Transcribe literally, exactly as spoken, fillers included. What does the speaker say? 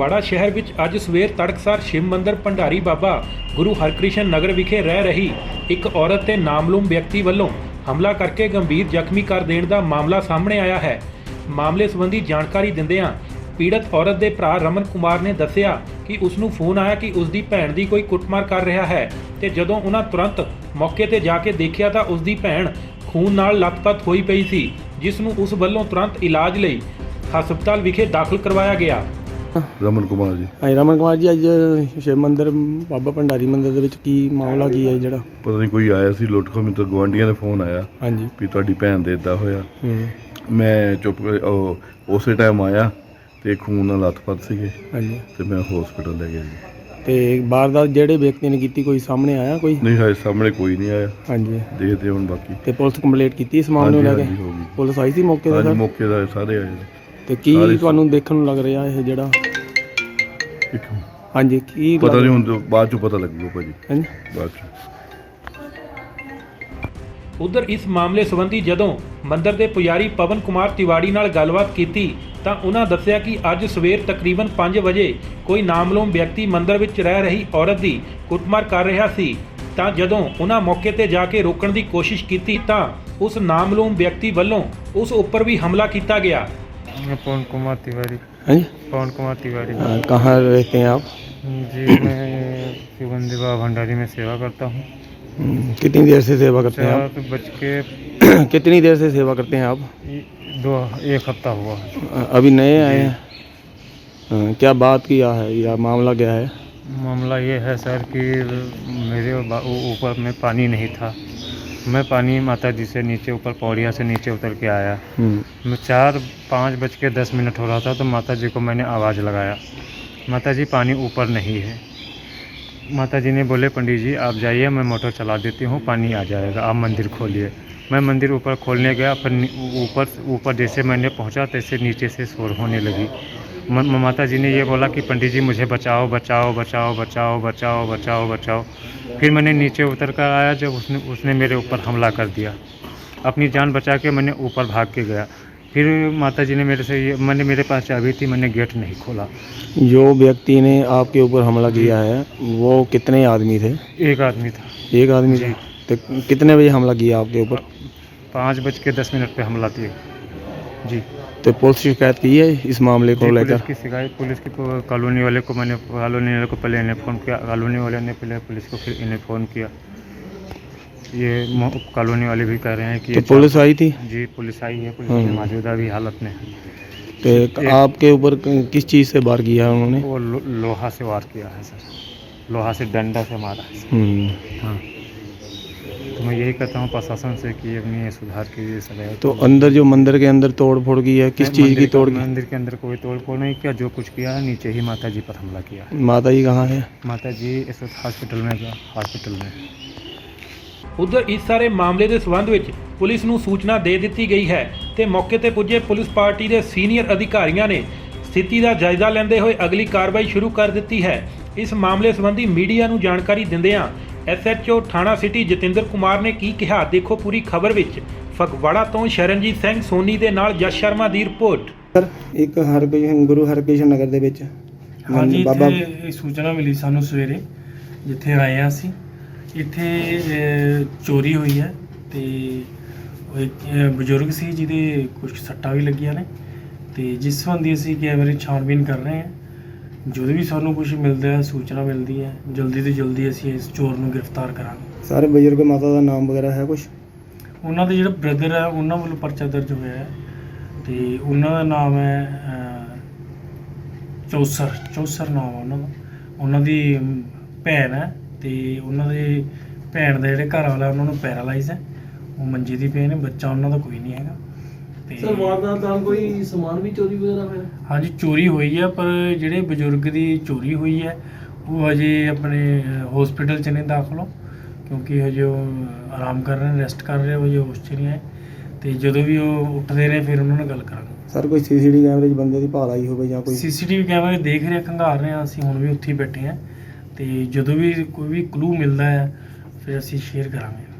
ਫਗਵਾੜਾ ਸ਼ਹਿਰ ਵਿੱਚ ਅੱਜ ਸਵੇਰ ਤੜਕਸਾਰ ਸ਼ਿਵ ਮੰਦਰ ਭੰਡਾਰੀ ਬਾਬਾ ਗੁਰੂ ਹਰਕ੍ਰਿਸ਼ਨ ਨਗਰ ਵਿਖੇ ਰਹਿ ਰਹੀ ਇੱਕ ਔਰਤ ਤੇ ਨਾਮਲੂਮ ਵਿਅਕਤੀ ਵੱਲੋਂ ਹਮਲਾ ਕਰਕੇ ਗੰਭੀਰ ਜ਼ਖਮੀ ਕਰ ਦੇਣ ਦਾ ਮਾਮਲਾ ਸਾਹਮਣੇ ਆਇਆ ਹੈ। ਮਾਮਲੇ ਸੰਬੰਧੀ ਜਾਣਕਾਰੀ ਦਿੰਦਿਆਂ ਪੀੜਤ ਔਰਤ ਦੇ ਭਰਾ ਰਮਨ ਕੁਮਾਰ ਨੇ ਦੱਸਿਆ ਕਿ ਉਸ ਨੂੰ ਫੋਨ ਆਇਆ ਕਿ ਉਸ ਦੀ ਭੈਣ ਦੀ ਕੋਈ ਕੁੱਟਮਾਰ ਕਰ ਰਿਹਾ ਹੈ ਤੇ ਜਦੋਂ ਉਹਨਾਂ ਤੁਰੰਤ ਮੌਕੇ ਤੇ ਜਾ ਕੇ ਦੇਖਿਆ ਤਾਂ ਉਸ ਦੀ ਭੈਣ ਖੂਨ ਨਾਲ ਲੱਥਪੱਥ ਹੋਈ ਪਈ ਸੀ, ਜਿਸ ਨੂੰ ਉਸ ਵੱਲੋਂ ਤੁਰੰਤ ਇਲਾਜ ਲਈ ਹਸਪਤਾਲ ਵਿਖੇ ਦਾਖਲ ਕਰਵਾਇਆ ਗਿਆ। ਰਮਨ ਕੁਮਾਰ ਜੀ। ਹਾਂਜੀ ਰਮਨ ਕੁਮਾਰ ਜੀ, ਅੱਜ ਸ਼ਿਵ ਮੰਦਰ ਬਾਬਾ ਭੰਡਾਰੀ ਮੰਦਰ ਦੇ ਵਿੱਚ ਕੀ ਮਾਮਲਾ ਕੀ ਹੈ ਜਿਹੜਾ? ਪਤਾ ਨਹੀਂ ਕੋਈ ਆਇਆ ਸੀ ਲੁੱਟ ਖੋਹ, ਮੈਨੂੰ ਗਵਾਂਢੀਆਂ ਦੇ ਫੋਨ ਆਇਆ ਹਾਂਜੀ ਵੀ ਤੁਹਾਡੀ ਭੈਣ ਦੇ ਇੱਦਾਂ ਹੋਇਆ। ਹੂੰ ਮੈਂ ਚੁੱਪ ਉਹ ਉਸੇ ਟਾਈਮ ਆਇਆ ਤੇ ਖੂਨ ਨਾਲ ਲੱਥਪੱਥ ਸੀਗੇ ਹਾਂਜੀ ਤੇ ਮੈਂ ਹਸਪੀਟਲ ਲੈ ਗਿਆ ਜੀ। ਤੇ ਵਾਰਦਾਤ ਜਿਹੜੇ ਵਿਅਕਤੀ ਨੇ ਕੀਤੀ ਕੋਈ ਸਾਹਮਣੇ ਆਇਆ ਕੋਈ? ਨਹੀਂ ਹਾਏ ਸਾਹਮਣੇ ਕੋਈ ਨਹੀਂ ਆਇਆ। ਹਾਂਜੀ ਦੇਖਦੇ ਹੁਣ ਬਾਕੀ। ਤੇ ਪੁਲਿਸ ਕੰਪਲੀਟ ਕੀਤੀ ਇਸ ਮਾਮਲੇ ਨੂੰ ਲੈ ਕੇ? ਹਾਂਜੀ ਹੋ ਗਈ। ਪੁਲਿਸ ਆਈ ਸੀ ਮੌਕੇ ਤੇ ਹਾਂਜੀ ਸਰ? ਮੌਕੇ ਦਾ ਸਾਰੇ ਆਏ। ਤੇ ਕੀ ਤੁਹਾਨੂੰ ਦੇਖਣ ਨੂੰ ਲੱਗ ਰਿਹਾ ਇਹ ਜਿਹੜਾ? ਇੱਕ ਹਾਂਜੀ ਕੀ ਪਤਾ ਨਹੀਂ ਹੁਣ ਤੋਂ ਬਾਅਦ ਚੋਂ ਪਤਾ ਲੱਗੂਗਾ ਭਾਜੀ। ਹਾਂਜੀ ਬਾਅਦ ਚੋਂ। ਉਧਰ ਇਸ ਮਾਮਲੇ ਸੰਬੰਧੀ ਜਦੋਂ ਮੰਦਰ ਦੇ ਪੁਜਾਰੀ ਪਵਨ ਕੁਮਾਰ ਤਿਵਾੜੀ ਨਾਲ ਗੱਲਬਾਤ ਕੀਤੀ ਤਾਂ ਉਹਨਾਂ ਦੱਸਿਆ ਕਿ ਅੱਜ ਸਵੇਰ ਤਕਰੀਬਨ ਪੰਜ ਵਜੇ ਕੋਈ ਨਾਮਲੂਮ ਵਿਅਕਤੀ ਮੰਦਰ ਵਿੱਚ ਰਹਿ ਰਹੀ ਔਰਤ ਦੀ ਕੁੱਟਮਾਰ ਕਰ ਰਿਹਾ ਸੀ ਤਾਂ ਜਦੋਂ ਉਹਨਾਂ ਮੌਕੇ ਤੇ ਜਾ ਕੇ ਰੋਕਣ ਦੀ ਕੋਸ਼ਿਸ਼ ਕੀਤੀ ਤਾਂ ਉਸ ਨਾਮਲੂਮ ਵਿਅਕਤੀ ਵੱਲੋਂ ਉਸ ਉੱਪਰ ਵੀ ਹਮਲਾ ਕੀਤਾ ਗਿਆ। मैं पवन कुमार तिवारी। हाँ जी पवन कुमार तिवारी। हाँ, कहाँ रहते हैं आप? जी मैं शिव मंदिर बाबा भंडारी में सेवा करता हूँ। हम्म, कितनी देर से सेवा करते हैं आप? चार बज के कितनी देर से सेवा करते हैं आप? दो एक हफ्ता हुआ है। अभी नए आए हैं? हाँ, क्या बात किया है या मामला क्या है? मामला ये है सर कि मेरे ऊपर में पानी नहीं था। मैं पानी माता जी से नीचे ऊपर पौड़िया से नीचे उतर के आया। मैं चार पाँच बज के दस मिनट हो रहा था तो माता जी को मैंने आवाज़ लगाया, माता जी पानी ऊपर नहीं है। माता जी ने बोले पंडित जी आप जाइए, मैं मोटर चला देती हूँ, पानी आ जाएगा, आप मंदिर खोलिए। मैं मंदिर ऊपर खोलने गया, फिर ऊपर ऊपर जैसे मैंने पहुँचा तैसे नीचे से शोर होने लगी। माता जी ने ये बोला कि पंडित जी मुझे बचाओ बचाओ बचाओ बचाओ बचाओ बचाओ बचाओ। फिर मैंने नीचे उतर कर आया, जब उसने उसने मेरे ऊपर हमला कर दिया। अपनी जान बचा के मैंने ऊपर भाग के गया। फिर माता जी ने मेरे से ये मैंने मेरे पास चाबी थी, मैंने गेट नहीं खोला। जो व्यक्ति ने आपके ऊपर हमला किया है वो कितने आदमी थे? एक आदमी था। एक आदमी थे? तो कितने बजे हमला किया आपके ऊपर? पाँच बज के दस मिनट पे हमला किया जी। तो पुलिस शिकायत की है इस मामले को लेकर? पुलिस की शिकायत पुलिस की कॉलोनी वाले को मैंने कॉलोनी वाले को पहले इन्हें फ़ोन किया, कॉलोनी वाले ने पहले पुलिस को फिर इन्हें फ़ोन किया। ये कॉलोनी वाले भी कह रहे हैं कि तो पुलिस आई थी? जी पुलिस आई है, पुलिस की मौजूदा भी हालत में है। तो आपके ऊपर किस चीज़ से वार किया है उन्होंने? वो लो, लोहा से वार किया है सर, लोहा से डंडा से मारा है। हाँ तो मैं यही कहता हूँ प्रशासन से कि अपनी सुधार की सलाह। तो अंदर जो मंदिर के अंदर तोड़ फोड़ की है, किस चीज़ की तोड़? मंदिर के अंदर कोई तोड़ फोड़ नहीं किया, जो कुछ किया है नीचे ही माता जी पर हमला किया है। माता जी कहाँ है? माता जी इस वक्त हॉस्पिटल में हॉस्पिटल में। ਉਧਰ ਇਸ ਸਾਰੇ ਮਾਮਲੇ ਦੇ ਸਬੰਧ ਵਿੱਚ ਪੁਲਿਸ ਨੂੰ ਸੂਚਨਾ ਦੇ ਦਿੱਤੀ ਗਈ ਹੈ ਤੇ ਮੌਕੇ ਤੇ ਪੁੱਜੇ ਪੁਲਿਸ ਪਾਰਟੀ ਦੇ ਸੀਨੀਅਰ ਅਧਿਕਾਰੀਆਂ ਨੇ ਸਥਿਤੀ ਦਾ ਜਾਇਜ਼ਾ ਲੈਂਦੇ ਹੋਏ ਅਗਲੀ ਕਾਰਵਾਈ ਸ਼ੁਰੂ ਕਰ ਦਿੱਤੀ ਹੈ। ਇਸ ਮਾਮਲੇ ਸੰਬੰਧੀ ਮੀਡੀਆ ਨੂੰ ਜਾਣਕਾਰੀ ਦਿੰਦਿਆਂ ਐਸ ਐਚ ਓ ਥਾਣਾ ਸਿਟੀ ਜਤਿੰਦਰ ਕੁਮਾਰ ਨੇ ਕੀ ਕਿਹਾ, ਦੇਖੋ ਪੂਰੀ ਖਬਰ ਵਿੱਚ। ਫਗਵਾੜਾ ਤੋਂ ਸ਼ਰਨਜੀਤ ਸਿੰਘ ਸੋਨੀ ਦੇ ਨਾਲ ਜਸ ਸ਼ਰਮਾ ਦੀ ਰਿਪੋਰਟ। ਸਰ ਇੱਕ ਹਰਕ੍ਰਿਸ਼ਨ ਗੁਰੂ ਹਰਕ੍ਰਿਸ਼ਨ ਨਗਰ ਦੇ ਵਿੱਚ ਹਾਂਜੀ ਇੱਥੇ ਸੂਚਨਾ ਮਿਲੀ ਸਾਨੂੰ ਸਵੇਰੇ, ਜਿੱਥੇ ਆਏ ਹਾਂ ਅਸੀਂ। ਇੱਥੇ ਚੋਰੀ ਹੋਈ ਹੈ ਤੇ ਇੱਕ ਬਜ਼ੁਰਗ ਸੀ ਜਿਹਦੇ ਕੁਝ ਸੱਟਾਂ ਵੀ ਲੱਗੀਆਂ ਨੇ ਤੇ ਜਿਸ ਸੰਬੰਧੀ ਅਸੀਂ ਕੈਮਰੇ ਛਾਣਬੀਨ ਕਰ ਰਹੇ ਹਾਂ। ਜਦੋਂ ਵੀ ਸਾਨੂੰ ਕੁਝ ਮਿਲਦਾ ਹੈ, ਸੂਚਨਾ ਮਿਲਦੀ ਹੈ, ਜਲਦੀ ਤੋਂ ਜਲਦੀ ਅਸੀਂ ਇਸ ਚੋਰ ਨੂੰ ਗ੍ਰਿਫਤਾਰ ਕਰਾਂਗੇ। ਸਾਰੇ ਬਜ਼ੁਰਗ ਮਾਤਾ ਦਾ ਨਾਮ ਵਗੈਰਾ ਹੈ ਕੁਝ? ਉਹਨਾਂ ਦਾ ਜਿਹੜਾ ਬ੍ਰਦਰ ਹੈ ਉਹਨਾਂ ਵੱਲੋਂ ਪਰਚਾ ਦਰਜ ਹੋਇਆ ਹੈ ਤੇ ਉਹਨਾਂ ਦਾ ਨਾਮ ਹੈ ਚੌਸਰ ਚੌਸਰ ਨਾਮ ਹੈ ਉਹਨਾਂ ਦਾ। ਉਹਨਾਂ ਦੀ ਭੈਣ ਹੈ ਤੇ ਉਹਨਾਂ ਦੇ ਭੈਣ ਦਾ ਜਿਹੜੇ ਘਰ ਵਾਲਾ ਉਹਨਾਂ ਨੂੰ ਪੈਰਾਲਾਈਜ਼ ਹੈ, ਉਹ ਮੰਜੇ ਦੀ ਪਏ ਨੇ, ਬੱਚਾ ਉਹਨਾਂ ਦਾ ਕੋਈ ਨਹੀਂ ਹੈਗਾ। ਤੇ ਸਰ ਵਾਰਦਾਤ ਨਾਲ ਕੋਈ ਸਮਾਨ ਵੀ ਚੋਰੀ ਵਗੈਰਾ ਹੋਇਆ? ਹਾਂਜੀ ਚੋਰੀ ਹੋਈ ਹੈ, ਪਰ ਜਿਹੜੇ ਬਜ਼ੁਰਗ ਦੀ ਚੋਰੀ ਹੋਈ ਹੈ ਉਹ ਹਜੇ ਆਪਣੇ ਹਸਪੀਟਲ 'ਚ ਨਹੀਂ ਦਾਖਲ ਹੋ, ਕਿਉਂਕਿ ਹਜੇ ਉਹ ਆਰਾਮ ਕਰ ਰਹੇ ਨੇ, ਰੈਸਟ ਕਰ ਰਹੇ, ਹਜੇ ਹੋਸ਼ 'ਚ ਨਹੀਂ ਆਏ। ਤੇ ਜਦੋਂ ਵੀ ਉਹ ਉੱਠਦੇ ਨੇ ਫਿਰ ਉਹਨਾਂ ਨਾਲ ਗੱਲ ਕਰਾਂਗੇ। ਸਰ ਕੋਈ ਸੀ ਸੀ ਟੀ ਕੈਮਰੇ 'ਚ ਬੰਦੇ ਦੀ ਭਾਲ ਆਈ ਹੋਵੇ ਜਾਂ ਕੋਈ? ਸੀ ਸੀ ਟੀ ਵੀ ਕੈਮਰੇ ਦੇਖ ਰਹੇ, ਖੰਗਾਰ ਰਹੇ ਹਾਂ ਅਸੀਂ, ਹੁਣ ਵੀ ਉੱਥੇ ਹੀ ਬੈਠੇ ਹਾਂ ਤੇ ਜਦੋਂ ਵੀ ਕੋਈ ਵੀ ਕਲੂ ਮਿਲਦਾ ਹੈ ਫਿਰ ਅਸੀਂ ਸ਼ੇਅਰ ਕਰਾਂਗੇ।